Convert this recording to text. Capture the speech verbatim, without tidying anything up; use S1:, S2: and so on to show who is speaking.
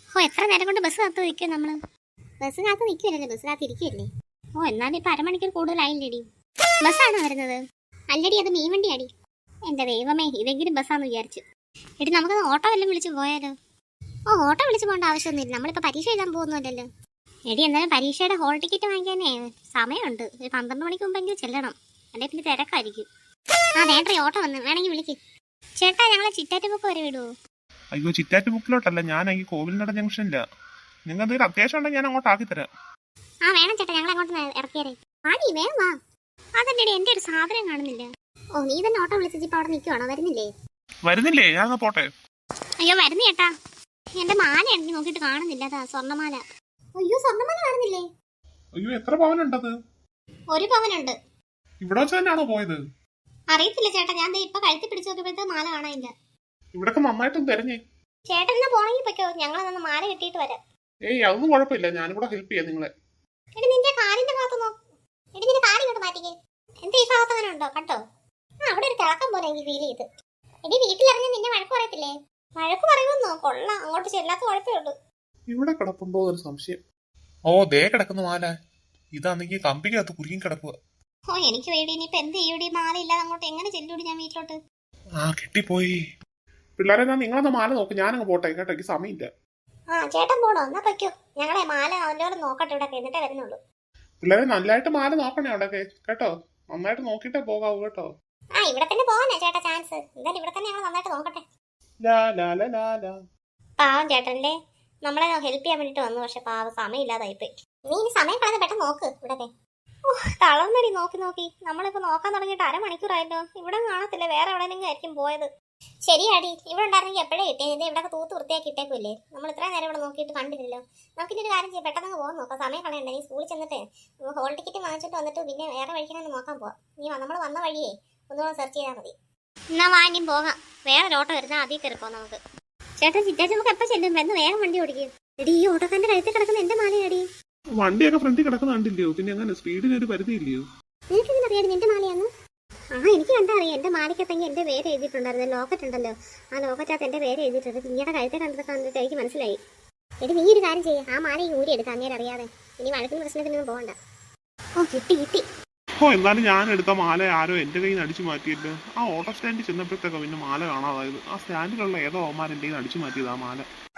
S1: ഓ എത്ര നേരം കൊണ്ട് ബസ് കാത്ത് നിൽക്കും നമ്മള്. ബസ് കാത്ത് നിൽക്കുമല്ലോ, ബസ് കാത്ത് ഇരിക്കുമല്ലേ. ഓ എന്നാലും ഇപ്പൊ അരമണിക്കൂർ കൂടുതലായില്ലേടി. ബസ്സാണോ വരുന്നത്? അല്ലടി, അത് മീൻ വണ്ടി അടി. എന്റെ ദൈവമേ, ഇതെങ്കിലും ബസ്സാന്ന് വിചാരിച്ചു. എടി നമുക്ക് ഓട്ടോ വല്ലതും വിളിച്ച് പോയാലോ? ഓ ഓട്ടോ വിളിച്ച് പോകേണ്ട ആവശ്യമൊന്നുമില്ല, നമ്മളിപ്പോൾ പരീക്ഷ എഴുതാൻ പോകുന്നില്ലല്ലോ. എടി എന്നാലും പരീക്ഷയുടെ ഹോൾ ടിക്കറ്റ് വാങ്ങിക്കാനേ സമയമുണ്ട്. ഒരു പന്ത്രണ്ട് മണിക്ക് മുമ്പെങ്കിലും ചെല്ലണം, അല്ലെ പിന്നെ തിരക്കായിരിക്കും. ആ വേണ്ട, ഓട്ടോ വന്ന് വേണമെങ്കിൽ വിളിക്ക്. ചേട്ടാ ഞങ്ങളെ ചിറ്റാറ്റുമുക്ക് വരെ വിടുവോ?
S2: അയ്യോ, ചിറ്റാറ്റുമുക്കിലോട്ടല്ല, ഞാൻ ഈ കോവിൽനട ജംഗ്ഷനില്ല. നിങ്ങൾ എന്തെങ്കിലും അത്യാവശ്യം ഉണ്ടെങ്കിൽ ഞാൻ അങ്ങോട്ട് ആക്കി തരാം.
S1: ആ വേണം ചേട്ടാ, ഞങ്ങൾ അങ്ങോട്ട് ഇറക്കിയറേ. ആടി വേഗം വാ. അതല്ലേ എന്റെ ഒരു സാധനം കാണുന്നില്ല. ഓ നീ തന്നെ ഓട്ടോ വിളിച്ചിട്ട് ഇപ്പൊ അവിടെ നിൽക്കുവാണോ? വരുന്നില്ലേ?
S2: വരുന്നില്ലേ? ഞാൻ പോട്ടെ.
S1: അയ്യോ വരുന്നു ചേട്ടാ, എന്റെ മാല എനിക്ക് നോക്കിയിട്ട് കാണുന്നില്ല. അതാ സ്വർണ്ണമാല. അയ്യോ സ്വർണ്ണമാല കാണുന്നില്ലേ?
S2: അയ്യോ എത്ര പവനുണ്ടത്?
S1: ഒരു പവനുണ്ട്.
S2: ഇവിടെ വെച്ച് തന്നെയാണോ പോയത്?
S1: അറിയത്തില്ല ചേട്ടാ, ഞാൻ ഇപ്പൊ കഴുത്തി പിടിച്ചു നോക്കിയപ്പോഴത്തെ മാല കാണാനില്ല.
S2: ഇവിടൊക്കെ നന്നായിട്ടും തെരഞ്ഞേ.
S1: ചേട്ടൻ എന്നാ പോണെങ്കിൽ പൊയ്ക്കോ, ഞങ്ങളൊന്ന് മാല കെട്ടിയിട്ട് വരാം.
S2: ഏയ് അതൊന്നും കുഴപ്പമില്ല, ഞാനും കൂടെ ഹെൽപ്പ് ചെയ്യാം നിങ്ങളെ.
S1: എടി നിന്റെ കാലിന്റെ ഭാഗത്ത് നോ. എടി നിന്റെ കാലി ഇങ്ങോട്ട് മാറ്റിക്കേ. എന്താ ഈ ഭാഗത്ത് അങ്ങനെ ഉണ്ടോ? കണ്ടോ? ആ അവിടെ ഒരു തിളക്കം പോലെ എനിക്ക് ഫീൽ ചെയ്ത്. എടി വീട്ടിലിറങ്ങി നിന്നെ വഴക്ക് പറയത്തില്ലേ? വഴക്ക് പറയുമെന്നോ? കൊള്ളാം, അങ്ങോട്ട് ചെല്ലാത്ത കുഴപ്പമേ ഉള്ളൂ.
S2: ഇവിടെ കിടപ്പുണ്ടോ ഒരു സംശയം. ഓ ദേ കിടക്കുന്ന മാല. ഇതാണെങ്കിൽ കമ്പിക്കകത്ത് കുരുങ്ങി കിടക്കുക.
S1: ഓ എനിക്ക് വേണ്ടി ഇനിയിപ്പൊ എന്ത് ചെയ്യൂടി? മാല ഇല്ലാതെ അങ്ങോട്ട് എങ്ങനെ ചെല്ലൂടി ഞാൻ വീട്ടിലോട്ട്?
S2: ആ കെട്ടിപ്പോയി. പിള്ളേരെ ഞാൻ നിങ്ങളൊന്ന് മാല നോക്ക്, ഞാനങ്ങ് പോട്ടെ കേട്ടോ, എനിക്ക് സമയമില്ല.
S1: ആ ചേട്ടൻ പോണോ? എന്നാ പൊയ്ക്കോ, ഞങ്ങളെ മാല അവനോട് നോക്കട്ടെ ഇവിടെ എന്നിട്ടേ വരുന്നുള്ളൂ.
S2: പിള്ളേരെ നല്ലതായിട്ട് മാല നോക്കണേ അവിടെയൊക്കെ കേട്ടോ, നന്നായിട്ട് നോക്കിട്ടേ പോകാവൂ കേട്ടോ.
S1: ആ ഇവിടെ തന്നെ പോവാനാ ചേട്ടാ ചാൻസ്. എന്തായാലും ഇവിടെ തന്നെ ഞങ്ങൾ നന്നായിട്ട് നോക്കട്ടെ. പാവം ചേട്ടന്റെ നമ്മളെ ഹെൽപ്പ് ചെയ്യാൻ വേണ്ടിട്ട് വന്നു, പക്ഷെ പാവം സമയമില്ലാതായിപ്പോയി. നീ ഇനി സമയം കളഞ്ഞ പെട്ടെന്ന് നോക്ക് ഇവിടൊക്കെ. ഓ തളർന്നടി നോക്കി നോക്കി. നമ്മളിപ്പോ നോക്കാൻ തുടങ്ങിയിട്ട് അരമണിക്കൂറായല്ലോ. ഇവിടെ കാണത്തില്ല, വേറെ എവിടെയെങ്കിലും ആയിരിക്കും പോയത്. ശരിയാടി, ഇവിടെ ഉണ്ടായിരുന്നെങ്കിൽ എപ്പോഴേ കിട്ടിയത്. ഇവിടെ തൂത്ത് വൃത്തിയാക്കി ഇട്ടേക്കുമല്ലേ. നമ്മൾ ഇത്രയും നേരം ഇവിടെ നോക്കിയിട്ട് കണ്ടില്ലല്ലോ. നമുക്കിനി ഒരു കാര്യം ചെയ്യാം, പെട്ടെന്ന് പോകാൻ നോക്കാം. സമയം കളയണ്ട. നീ സ്കൂളിൽ ചെന്നിട്ട് ഹോൾ ടിക്കറ്റ് വാങ്ങിച്ചിട്ട് വന്നിട്ട് പിന്നെ വേറെ വഴിക്കാനും നോക്കാൻ പോവാം. നീ നമ്മൾ വന്ന വഴിയേ ഒന്നുകൂടെ സെർച്ച് ചെയ്താൽ മതി. എന്നാ വാനിയും പോകാം. വേറെ ഓട്ടോ വരുന്നാൽ അതിൽ കയറിപ്പോ നമുക്ക്. ചേട്ടൻ ചിറ്റാച്ചു നമുക്ക് എപ്പോൾ ചെല്ലും? എന്ന് വേഗം വണ്ടി ഓടിക്കും. എടി ഈ ഓട്ടോക്കാരന്റെ കഴുത്തിൽ കിടക്കുന്ന എന്റെ മാലയാടി.
S2: വണ്ടിയൊക്കെ ഫ്രണ്ടിൽ കിടക്കുന്ന കണ്ടില്ലയോ? പിന്നെ അങ്ങനെ സ്പീഡിന് ഒരു പരിധി ഇല്ലയോ?
S1: നിനക്ക് എങ്ങനെ അറിയാം നിന്റെ മാലയാന്ന്? ആ എനിക്ക് കണ്ടാ അറിയാം. എന്റെ മാലയ്ക്കത്തെങ്കിൽ എന്റെ പേര് എഴുതിയിട്ടുണ്ടായിരുന്നു. ലോക്കറ്റ് ഉണ്ടല്ലോ, ആ ലോക്കറ്റകത്ത് എന്റെ പേര് എഴുതിയിട്ടുണ്ട്. നിങ്ങളുടെ കഴുത്തെ കണ്ടത് കണ്ടിട്ട് എനിക്ക് മനസ്സിലായി. എടി നീ ഒരു കാര്യം ചെയ്യാം, ആ മാല ഊരി എടുക്കാം അന്നേരം അറിയാതെ. ഇനി വഴക്കിന് പ്രശ്നത്തിനൊന്നും പോകണ്ട. ഓ കിട്ടി കിട്ടി.
S2: ഓ എന്നാലും ഞാൻ എടുത്ത മാല ആരോ എന്റെ കയ്യിൽ നിന്ന് അടിച്ചു മാറ്റിയല്ലോ. ആ ഓട്ടോ സ്റ്റാൻഡിൽ ചെന്നപ്പോഴത്തേക്കോ പിന്നെ മാല കാണാതായത്. ആ സ്റ്റാൻഡിലുള്ള ഏതോ ഓമാർ എന്റെ കയ്യിൽ നിന്ന് അടിച്ചു മാറ്റിയത് ആ മാല.